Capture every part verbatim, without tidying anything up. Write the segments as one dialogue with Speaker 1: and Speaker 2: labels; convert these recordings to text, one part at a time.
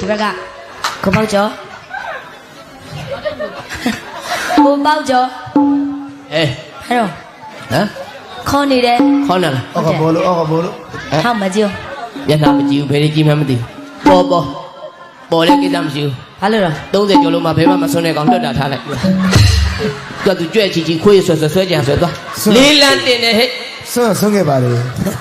Speaker 1: bác có bao chó cô bao chó
Speaker 2: ê
Speaker 1: thấy rồi
Speaker 2: hả
Speaker 1: con đi đây
Speaker 2: con nào
Speaker 3: Ơ còn bố lũ, ơ còn bố lũ
Speaker 1: không mà chưa
Speaker 2: Việt Nam mà chịu về đi chim hay mà tìm bò bò bò lên cái đam chịu
Speaker 1: phải rồi
Speaker 2: đâu giờ cho lúc mà phải mà sau này còn đỡ đã thả lại cho tụi chuyện chỉ chỉ khuya sửa sửa sửa chàng sửa to lý lan tiền này hết
Speaker 3: Sơ sơ nghe bà đi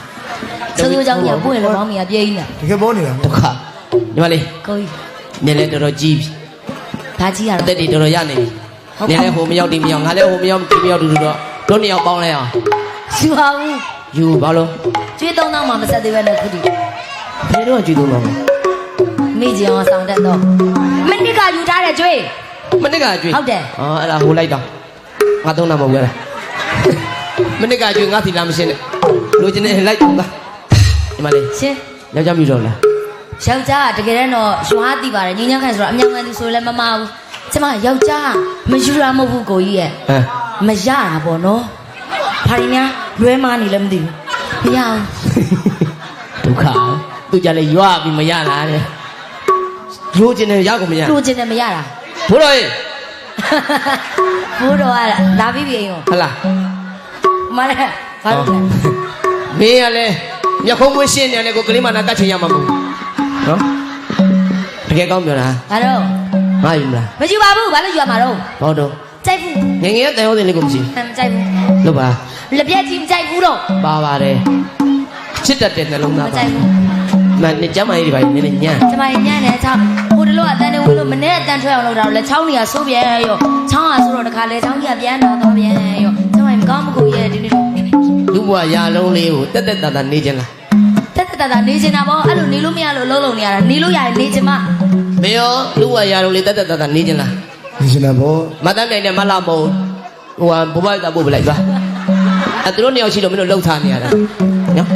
Speaker 1: sơ tôi trong nhà vui là món mì bia nè
Speaker 3: Cái bố này
Speaker 2: đâu cả nhưng mà đi
Speaker 1: coi
Speaker 2: nên lên đồ chi
Speaker 1: thà chi à
Speaker 2: tết đi đồ ra này nên lên hôm nhau tìm nhau ngày lên hôm nhau tìm nhau được được đó nhau bao này à
Speaker 1: siêu không
Speaker 2: dù bao lâu
Speaker 1: chuyện đông đông mà mà sao tôi về đây cứ đi
Speaker 2: thế đó là chuyện đông đông
Speaker 1: mấy gì mà sang đến đó mình đi cả dù ra để chơi
Speaker 2: mình đi cả chuyện
Speaker 1: không để
Speaker 2: ờ là hồ lấy đâu ngã đông nam một cái này mình đi cả chuyện ngã thì làm gì này đôi chân này lấy không ta nhưng mà đi
Speaker 1: xin
Speaker 2: nhau chăm gì rồi là
Speaker 1: ယောက်ျားတကယ်တော့ရွှားတိပါတယ်ညီညာခိုင်ဆိုတော့အမြောင်ကန်သူဆိုလည်းမမဘူးကျမယောက်ျားမယူရမဟုတ်ဘူးကိုကြီးရဲ့မရတာပေါ့နော်ဘာရင်းများလွဲမနေလည်းမသိဘူးမရအောင်
Speaker 2: ဒုက္ခသူကြလေရွာပြီးမရလားတဲ့ရိုးကျင်တယ်ရောက်ကိုမရ
Speaker 1: လိုချင်တယ်မရတာ
Speaker 2: ဘိုးတော်ရေ
Speaker 1: ဘိုးတော်ကလာပြီးပြီအိမ်ကို
Speaker 2: ဟလား
Speaker 1: မလည်းဘာလို့လဲ
Speaker 2: မင်းကလည်းမျက်ခုံးမွေးရှင်းနေတယ်ကိုကလေးမနာကတ်ချင်ရမှာမဟုတ်နော်တကယ်ကောင်းပြောတာ
Speaker 1: ဘာတော့
Speaker 2: ငါယူမလား
Speaker 1: မယူပါဘူးဘာလို့ယူရမှာတော့
Speaker 2: ဘောတော့
Speaker 1: ကြိုက်ဘူး
Speaker 2: ငငယ်တန်ဟုတ်တယ်လေကိုမရှိ
Speaker 1: ဟမ်ကြိုက်ဘူး
Speaker 2: လို့ပါ
Speaker 1: လက်ပြက်ကြီးမကြိုက်ဘူးတော့
Speaker 2: ပါပါတယ်ချစ်တတ်တဲ့နှလုံး
Speaker 1: မ
Speaker 2: သား
Speaker 1: ကြို
Speaker 2: ပါ
Speaker 1: က်ဘူး
Speaker 2: မနဲ့ကျမကြီးတွေပါနေနေညံ့
Speaker 1: ကျမညံ့နေချောင်းဟိုတလို့အတန်နေဝင်လို့မနဲ့အတန်ထွက်အောင်လုပ်တာတော့လေချောင်းနေရဆိုးပြန်ရောချောင်းကဆိုတော့တခါလေချောင်းကြီးကပြန်တော့တော့ပြန်ရောကျမမကောင်းမကိုရဲ့ဒီနေ့
Speaker 2: လူဘွားရာလုံးလေးကိုတက်တက်တတနေခြင်းလား
Speaker 1: တက်တက်တာနေချင်တာပေါ့အဲ့လိုနေလို့မရလို့လုံးလုံးနေရတာနေလို့ရတယ်နေချင်မ
Speaker 2: မင်းရောလူဘွားရာလုံးလေးတက်တက်တတနေခြင်းလား
Speaker 3: Nhìn xem nào bố
Speaker 2: မတန်းနိုင်တဲ့မလာမဟုတ်ဟိုဟာဘဘတာပို့ပလိုက်သွားအဲသူတို့နှစ်ယောက်ရှိတော့မင်းတို့လှုပ်ထားနေရတာနော်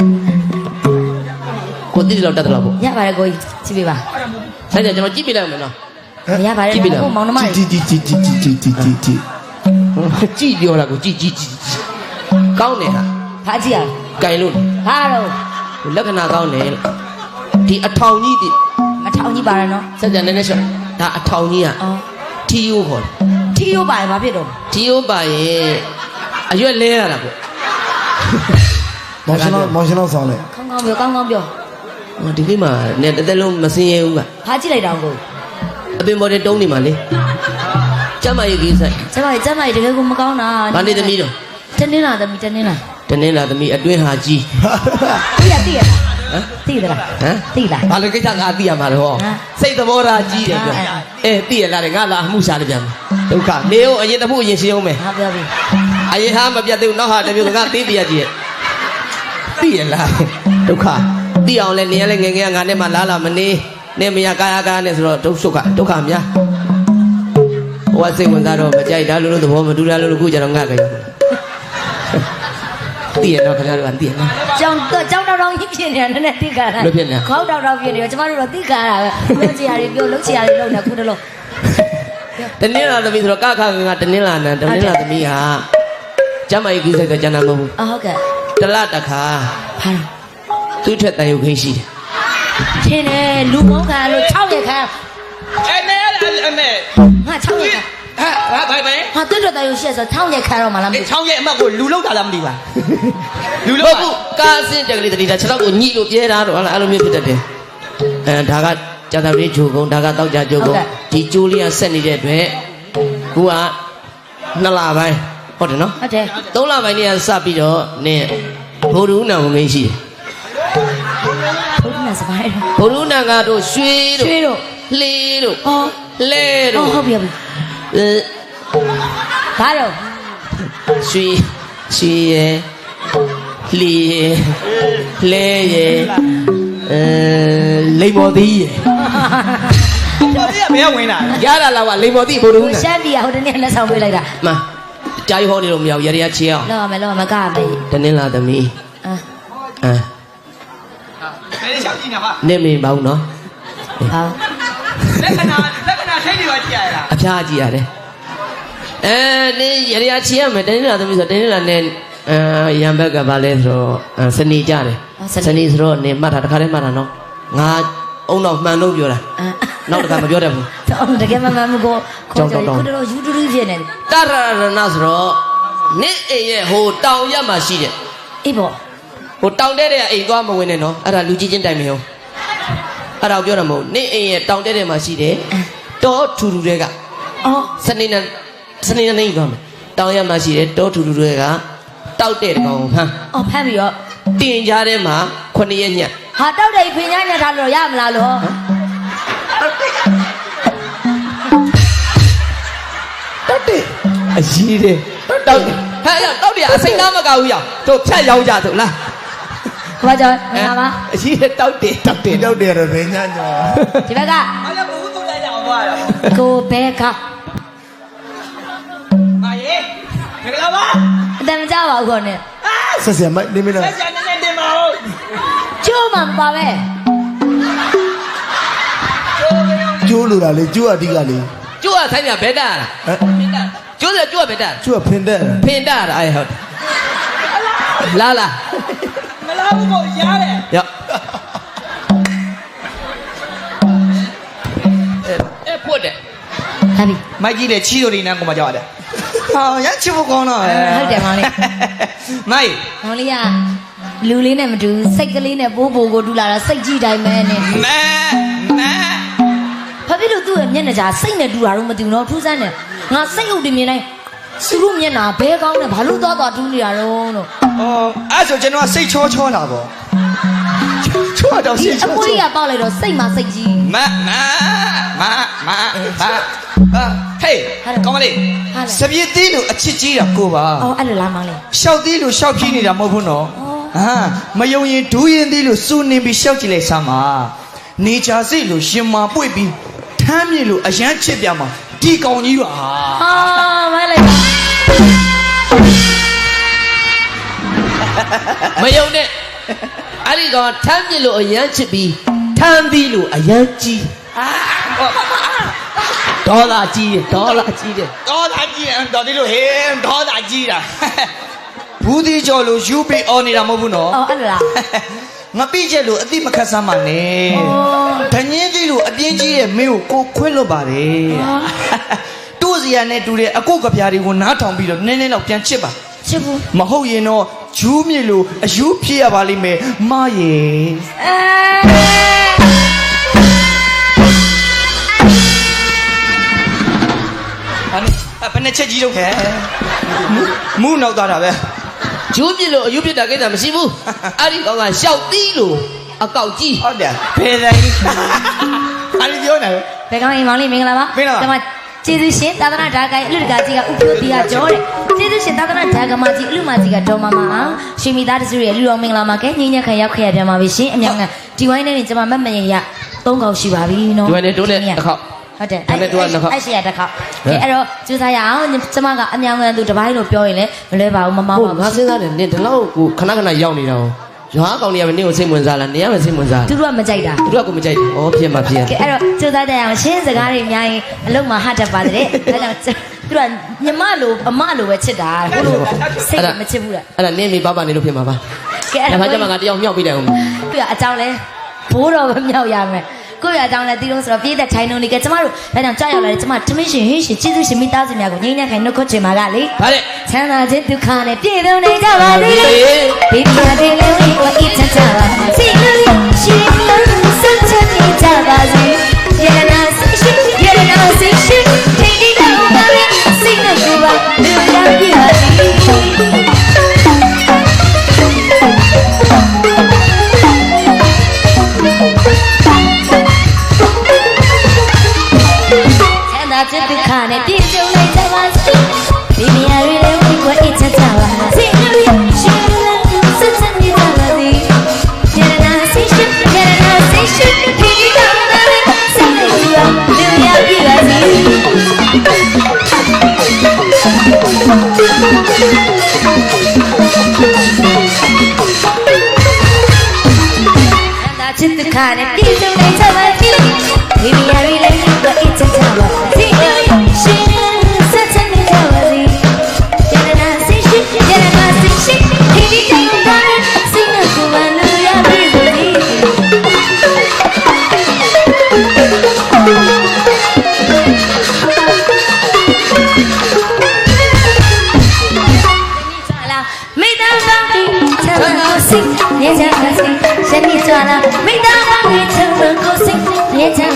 Speaker 2: ကိုတိတော့တက်တယ်လို့ပေါ့
Speaker 1: ရပါတယ်ကိုကြီးကြည့်ပေးပါ
Speaker 2: ဆိုင်ကြကျွန်တော်ကြည့်ပြလိုက်မယ်နော်
Speaker 1: ရပါတယ်ကိုမောင်နှမ
Speaker 3: Chị chị chị chị chị chị chị chị chị
Speaker 2: ကြည့်ပြောတာကိုကြည့်ကြည့်ကြည့်ကောင်းတယ်ဟာ
Speaker 1: ဖားကြည့်ရ
Speaker 2: ကြိုင်လို့
Speaker 1: ဟာတော့
Speaker 2: လက္ခဏာကောင်းတယ်ဒီအထောင်ကြီးဒီ
Speaker 1: မထောင်ကြီးပါရနော်
Speaker 2: စက်ကြနေနေရှော့ဒါအထောင်ကြီးอ่ะ
Speaker 1: အော်
Speaker 2: ထီယိုးခေါ်တယ်
Speaker 1: ထီရိုးပါတယ်ဘာဖြစ်တော့
Speaker 2: ထီယိုးပါရင်အရွက်လဲရတာပေါ့
Speaker 3: Mong xin nó mong xin nó sao này
Speaker 1: ကောင်းကောင်းပြောကောင်းကောင်းပြော
Speaker 2: ဟောဒီကိမှာနဲ့တစ်သက်လုံးမစင်းရဲဘူးက
Speaker 1: ဖားကြည့်လိုက်တော့ကို
Speaker 2: အပင်ပေါ်တဲ့တုံးနေမှာလေကျမရဲ့ကြီးဆိုင်
Speaker 1: ကျမကျမတကယ်ကိုမကောင်းတာ
Speaker 2: ဘာနေသမီးတော့
Speaker 1: တနင်းလာသမီးတနင်းလာ
Speaker 2: တနင်္လာသမီးအတွင်းဟာကြီး
Speaker 1: သိရသိရ
Speaker 2: ဟမ်
Speaker 1: သိသလား
Speaker 2: ဟမ်
Speaker 1: သိလား
Speaker 2: ဘာလို့ကိစ္စငါသိရမှာလဲဟော
Speaker 1: ဟမ်
Speaker 2: စိတ်သဘောထားကြီးတယ်ပြောအဲသိရလားတဲ့ငါလာအမှုရှာလိုက်ပြန်မယ်ဒုက္ခနေအောင်အရင်တစ်ခုအရင်ရှင်းအောင်မယ်
Speaker 1: ဟာပြောပြီ
Speaker 2: အရင်ဟာမပြတ်သေးဘူးနောက်ဟာတစ်မျိုးငါသိပြရကြီးရဲ့သိရလားဒုက္ခသိအောင်လဲနေရလဲငယ်ငယ်ငါနဲ့မှလားလာမနေနေမရကာယကာနဲ့ဆိုတော့ဒုက္ခဒုက္ခများဟိုကစိတ်ဝင်စားတော့မကြိုက်တာလို့လို့သဘောမတူတာလို့လို့ခုကျတော့ငါကြိုက်သိရတော့ခင်ဗျားတို့ကသိရနော်
Speaker 1: ကြောင်တော့ကြောင်တောင်တောင်ကြီးဖြစ်နေတာနည်းနည်းသိကြတာ
Speaker 2: လို့ဖြစ်နေ
Speaker 1: ခေါက်တောင်တောင်ဖြစ်နေတော့ကျမတို့တော့သိကြတာပဲပြောချင်ရတယ်ပြောလုပ်ချင်ရတယ်လုပ်နေခုတလုံး
Speaker 2: တနင်္လာသမီးဆိုတော့ကခကတနင်္လာနံတနင်္လာသမီးဟာကျမကြီးကြီးစိတ်ကကျန်တာမဟုတ်ဘူး
Speaker 1: အော်ဟုတ်ကဲ့
Speaker 2: တလတခါ
Speaker 1: ဟာ
Speaker 2: သူ့ထက်တန်ရုပ်ခင်းရှိတယ်
Speaker 1: ထင်းနေလူမောင်းခံလို့၆ရက်ခံ
Speaker 2: အဲနဲ့အဲနဲ့
Speaker 1: ငါ၆ရက်ခံ
Speaker 2: ဟာဟာဘိုင်ဘိုင်
Speaker 1: ဟာတွတ်တွတ်တန်ရုပ်ရှက်ဆို၆ရက်ခံတော့မလားမသိ
Speaker 2: ချောင်းရဲ့အမတ်ကိုလူလောက်တာလားမသိပါလူလောက်ဘူးကားအစင်းတက်ကလေးတတိတာခြေထောက်ကိုညှိလို့ပြဲတာတော့အဲ့လိုမျိုးဖြစ်တတ်တယ်အဲဒါကကြာသပတေးဂျိုကုန်းဒါကတောက်ကြဂျိုကုန်းဒီကျိုးလေးကဆက်နေတဲ့အတွက်ခုကနှစ်လပိုင်းဟုတ်တယ်နော်
Speaker 1: ဟုတ်တယ်
Speaker 2: သုံးလပိုင်းနေကစပြီးတော့နင်းဘိုလ်ရူးနာမင်းရှိတယ်
Speaker 1: ဘုရားနဲ့စပိုင်းတော့
Speaker 2: ဘိုလ်ရူးနာကတော့ရွှေတို့
Speaker 1: ရွှေတို့
Speaker 2: လှေတို့
Speaker 1: အော်
Speaker 2: လဲ
Speaker 1: အော်
Speaker 2: တို့
Speaker 1: ဟုတ်ပြီဟုတ်ပြီ
Speaker 2: အဲ
Speaker 1: ဘာတော့
Speaker 2: ရွှေရွှေရယ်လှေရယ်လဲရယ်အဲလိမ္မော်သီးရယ်
Speaker 4: တော်သေးကဘယ်ကဝင်လာလဲ
Speaker 2: ရတာလားကလိမ္မော်သီးဘိုလ်ရူးနာ
Speaker 1: ရှမ်းပြည်ဟိုတနေ့လက်ဆောင်ပေးလိုက်တာ
Speaker 2: မှန်ကြားရဟောနေလို့မရဘူးရရချေအောင်
Speaker 1: လောက်ရမယ်လောက်ရမယ်ကရမယ်
Speaker 2: တနင်္လာသမီး
Speaker 1: အာ
Speaker 2: အဲ
Speaker 4: ဘယ်လိုရှောက်ကြည့်နေပါ
Speaker 2: နေမင်းပါဘူးနော်
Speaker 1: ဟော
Speaker 4: လက္ခဏာလက္ခဏာထိတ်တွေပါကြည့်ရလား
Speaker 2: အဖျားကြည့်ရတယ်အဲနေရရချေရမယ်တနင်္လာသမီးဆိုတနင်္လာနဲ့အဲရံဘက်ကဘာလဲဆိုတော့စနေကြတယ်စနေဆိုတော့နေမှတ်တာတခါတည်းမှတ်တာနော်ငါအုံတော့မှန်လို့ပြောတာ
Speaker 1: အာ
Speaker 2: နောက်တစ်ခါမပြောတတ်ဘူး
Speaker 1: တော့တကယ်မှမမကိုခေါ်ကြကိုတော့ယူတူတူဖြစ်နေတယ်
Speaker 2: တရရဏဆိုတော့နင့်အိမ်ရဲ့ဟိုတောင်ရက်မှာရှိတယ်
Speaker 1: အေးပေါ့
Speaker 2: ဟိုတောင်တဲ့တဲ့အိမ်သွားမဝင်နဲ့နော်အဲ့ဒါလူကြီးချင်းတိုင်မရောအဲ့ဒါကိုပြောတာမဟုတ်နင့်အိမ်ရဲ့တောင်တဲ့တဲ့မှာရှိတယ်တောထူထူတွေက
Speaker 1: အော်
Speaker 2: စနေနေ့စနေနေ့သွားမယ်တောင်ရက်မှာရှိတယ်တောထူထူတွေကတောက်တဲ့ကောင်ဟမ်
Speaker 1: အော်ဖမ်းပြီးတော့
Speaker 2: တင်ကြားထဲမှာခုနှစ်ရက်ညက်
Speaker 1: ဟာတောက်တယ်ဖင်ညားညက်ထားလို့ရမလားလို့
Speaker 2: တောက်တယ်အကြီးတယ်တောက်တယ်ဟဲ့တောက်တယ်အစိမ့်သားမကဘူးရတို့ဖြတ်ရောက်ကြတို့လား
Speaker 1: ဘာကြောင့်ငါပါ
Speaker 2: အကြီးတယ်တောက်တယ်တောက်တယ်
Speaker 3: တောက်တယ်ရယ်ဘယ်ညာညာ
Speaker 1: ဒီဘက်က
Speaker 4: အားလည်းဘူးသူ့လိုက်ကြအောင်သွားတာ
Speaker 1: ကိုဘဲက
Speaker 4: မာရေမင်္ဂလာပါ
Speaker 1: အတန်မကြပါဘူးခေါနဲ့
Speaker 3: ဆက်ဆက်မိုက်နေမလား
Speaker 4: ဆက်ချန်နေတင်ပါဦး
Speaker 1: ကျိုးမှမပါပဲ
Speaker 3: ကျိုးလိုတာလေကျိုးအဓိကလေ
Speaker 2: ကျိုးကဆိုင်ပြဘဲတာလား
Speaker 3: ဟမ်
Speaker 2: ကျိုးစကျိုးကဘဲတာ
Speaker 3: ကျိုးကဖင်တဲ့
Speaker 2: ဖင်တာအဲ့ဟုတ်လာလာ
Speaker 4: မလားဘူးကိုရားတယ်
Speaker 2: ရောအဲ့ဖွတ်တယ်
Speaker 1: ဟာပြီ
Speaker 4: မိုက်ကြီးလေချီးတို့နေနန်းကိုမကြောက်ရတယ်ဟာရချစ်ဖို့ကောင်းတော့
Speaker 1: ဟုတ်တယ်မောင်လေး
Speaker 4: မိုက်
Speaker 1: မောင်လေးကလူလေးနဲ့မတူစိတ်ကလေးနဲ့ပိုးပိုးကိုတူလာတာစိတ်ကြီးတိုင်းပဲနဲ့
Speaker 4: မဲမဲ
Speaker 1: ဘာဖြစ်လို့သူ့ရဲ့မျက်နှာကြာစိတ်နဲ့တူတာတော့မတူတော့ထူးဆန်းတယ်ငါစိတ်ဟုတ်တယ်မြင်တိုင်းသူတို့မျက်နှာဘဲကောင်းတယ်ဘာလို့သွားသွားတူးနေတာတော့လို့
Speaker 4: အော်အဲ့ဆိုကျွန်တော်စိတ်ချောချောတာပေါ့ချောတော့
Speaker 1: ဒီ
Speaker 4: စိတ်
Speaker 1: အ
Speaker 4: ချော
Speaker 1: မွေး
Speaker 4: ချော
Speaker 1: ကပေါက်လိုက်တော့စိတ်မှစိတ်ကြီး
Speaker 4: မမမမဟာဟေးကောင်းမလေးစပြည့်သေးလို့အချစ်ကြီးတာကိုပါ
Speaker 1: အော်အဲ့လိုလားမောင်လေး
Speaker 4: ရှောက်သေးလို့ရှောက်ဖြီးနေတာမဟုတ်ဘူးနော်ဟာမယုံရင်ဒူးရင်သေးလို့စူနေပြီးရှောက်ကြည့်လိုက်စမ်းပါနေချာစိတ်လို့ရှင်မာပွေ့ပြီးထမ်းမြေလို့အရန်ချစ်ပြမှာဒီကောင်ကြီးပါ
Speaker 1: ဟာမလိုက်ပါ
Speaker 2: မယုံနဲ့အဲ့ဒီကောင်ထမ်းပြလို့အရန်ချစ်ပြီးထမ်းပြီးလို့အရန်ကြီးဒေါ်လာကြီးတယ်ဒေါ်လာကြီးတယ်
Speaker 4: ဒေါ်လာကြီးတယ်ဒေါ်ဒီလို့ဟေးဒေါ်လာကြီးတာဘူးဒီကျော်လို့ယူပြီးအော်နေတာမဟုတ်ဘူးနော်
Speaker 1: အော်အဲ့လိုလား
Speaker 4: ငါပြည့်ချက်လို့အတိမခတ်ဆမ်းပါနဲ့
Speaker 1: အော်
Speaker 4: ဒညင်းသေးလို့အပြင်းကြီးရဲ့မင်းကိုကိုခွဲလွတ်ပါတယ်
Speaker 1: အော်
Speaker 4: တို့စီရနဲ့တူတဲ့အကုတ်ကပြားတွေကိုနားထောင်ပြီးတော့နည်းနည်းတော့ပြန်ချစ်ပါ
Speaker 1: ချစ်ဘူး
Speaker 4: မဟုတ်ရင်တော့ဂျူးမြေလို့အယူဖြစ်ရပါလိမ့်မယ်မရေ
Speaker 1: အဲ
Speaker 4: ဟာနေဘယ်နဲ့ချက်ကြီးတော့ခဲမူးနောက်သွားတာပဲ
Speaker 2: ဂျိုးပြလို့အယူပြတာကိစ္စမရှိဘူးအဲ့ဒီကောင်ကရှောက်သီးလို့အကောက်ကြီး
Speaker 4: ဟုတ်တယ်ဘယ်တိုင်းဟာဒီပြောနေ
Speaker 1: ဘယ်ကောင်းရင်မောင်လေးမင်္ဂလာပါ
Speaker 4: မင်္ဂလာပါ
Speaker 1: ကျွန်မကျေးဇူးရှင်သာသနာ့ဓာတ်ကိုင်အလူတကာကြီးကဥပ္ပယတိကကြောတဲ့ကျေးဇူးရှင်သာသနာ့ဓာတ်ကမကြီးအလူမကြီးကဒေါ်မမအောင်ရှင်မိသားစုရဲ့လူတော်မင်္ဂလာမှာကဲညဉ့်ညက်ခံရောက်ခဲ့ရပြန်ပါပြီရှင်အမြောင်ကဒီဝိုင်းနဲ့ကျွန်မမတ်မရင်ရသုံးခေါက်ရှိပါပြီနော်
Speaker 2: ဒီဝိုင်းနဲ့တိုးနဲ့တစ်ခေါက်
Speaker 1: ဟုတ်တယ်
Speaker 2: ဒါနဲ့တို့ကနှစ်ခေါက်
Speaker 1: အဲ့ရှိရတစ်ခေါက်ကဲအဲ့တော့ကျူစားရအောင်ကျွန်မကအမြောင်ကသူတပိုင်းလို့ပြောရင်လည်းမလွဲပါဘူးမမောင်း
Speaker 2: ဟုတ်
Speaker 1: ပါ
Speaker 2: ငါ
Speaker 1: ဘူး
Speaker 2: စဉ်းစားတယ်နင်ဒီလောက်ကိုခဏခဏရောက်နေတာကိုရွာကောင်တွေကမင်းကိုစိတ်ဝင်စားလားနင်ကမစိတ်ဝင်စား
Speaker 1: သူတို့ကမကြိုက်တာ
Speaker 2: သူတို့ကကိုမကြိုက်ဘူးဩဖြစ်မှာဖြစ်
Speaker 1: ကဲအဲ့တော့ကျူစားတဲ့အောင်ရှင်းစကားတွေအများကြီးအလုံးမှာဟတ်တတ်ပါတဲ့ဒါကြောင့်သူကညီမလိုအမလိုပဲချစ်တာဟိုလိုစိတ်မချစ်ဘူးလား
Speaker 2: အဲ့ဒါနင်မိပါပါနေလို့ဖြစ်မှာပါ
Speaker 1: ကဲအဲ့
Speaker 2: ဒါ
Speaker 1: ဒါ
Speaker 2: မှကျမကတယောက်မြောက်ပြီးတယ်ဟုတ်
Speaker 1: သူကအကြောင်းလဲဘိုးတော်ပဲမြောက်ရမယ်ကိုယ့်ရအကြောင်းလဲတီးလို့ဆိုတော့ပြေးတဲ့ထိုင်နှုံနေကကျမတို့ဒါကြောင့်ကြောက်ရောက်လာတယ်ကျမထမင်းရှင်ဟင်းရှင်ကျေးဇူးရှင်မိသားစုများကိုငြိမ်းချမ်းခိုင်နှုတ်ခွတ်ချင်ပါကလေ
Speaker 2: ဗါတဲ့
Speaker 1: ချမ်းသာခြင်းဒုက္ခနဲ့ပြည့်စုံနေကြပါစေလေဘေးပြားတဲ့လေးဝိအစ်ချမ်းသာပါစေလို့ရှိလို့စัจချနေကြပါစေရတနာစိတ်ရှိရတနာစိတ်ရှိထိတ်တိတ်တော့ပါလေစိတ်နဲ့ကိုယ်ပါလူရပြပါစေချစ်ဒုက္ခနဲ့ပြည့်စုံနေကြပါစေဒီနေရာတွေလည်းဝိကွာအစ်ချမ်းသာပါစေလို့ရှိလို့စัจချနေကြပါစေရတနာစိတ်ရှိရတနာစိတ်ရှိဒီတော့ပါလေစိတ်နဲ့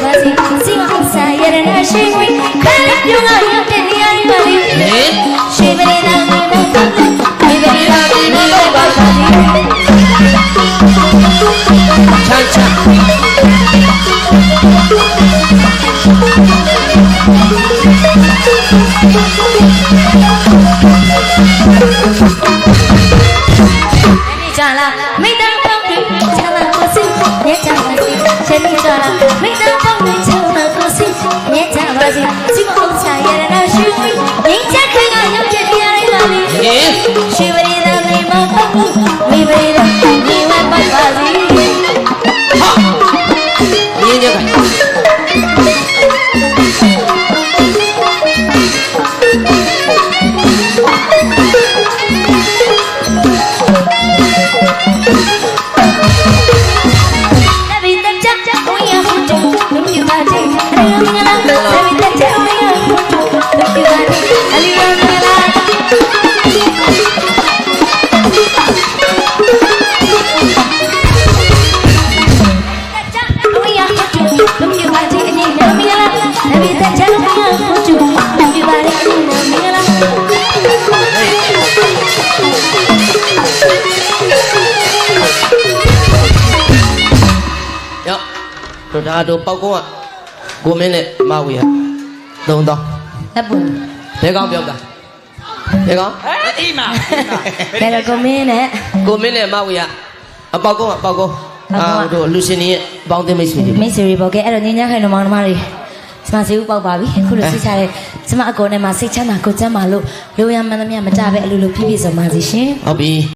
Speaker 1: ပါစေစီမအောင်စားရတဲ့နာရှိခွေခါလေးပြုံးကရောက်တဲ့နေရာလေးပါလေ
Speaker 2: ဟင်
Speaker 1: ရှိပရိသတ်ကိုတော့ပတ်တယ်ဒီပရိသတ်ကိုတော့ပတ်ပါစေ
Speaker 2: ချမ်းချမ်း
Speaker 1: 你转了，没当风雨，抢了过心，也抢了心。谁你转了，没当风雨，抢了过心，也抢了心。寂寞红茶也让那虚伪，人家可爱有这点爱哪里？
Speaker 2: ဟင်
Speaker 1: 虚伪的你们不顾，虚伪的你们不把理。
Speaker 2: ဟာမြင်းကြက
Speaker 1: 那边的家我也好久，没有把这哎呀你啦，那边的家我也好久，没有把这哎呀你啦。
Speaker 2: ရောတို့ဒါတို့ပေါက်ကုန်းကကိုမင်းနဲ့မဝေရသုံးတော့
Speaker 1: 那不，
Speaker 2: ဘဲကောင်းပြောတာဘဲကောင်း
Speaker 4: အေးမ
Speaker 1: 那个公民呢？
Speaker 2: ကိုမင်းနဲ့မဝေရအပေါက်ကုန်းကပေါက်ကုန်းအာတို့လူရှင်ကြီးရဲ့ပေါင်းသိမိတ်ဆွေတွေ
Speaker 1: 没事的，包给俺们人家看到忙的嘛哩。什么时候包包比？可能是下来，什么阿哥呢嘛？谁抢哪个抢马路？留样嘛那面嘛扎呗，路路皮皮什么这些。
Speaker 2: ဟုတ်ပြီ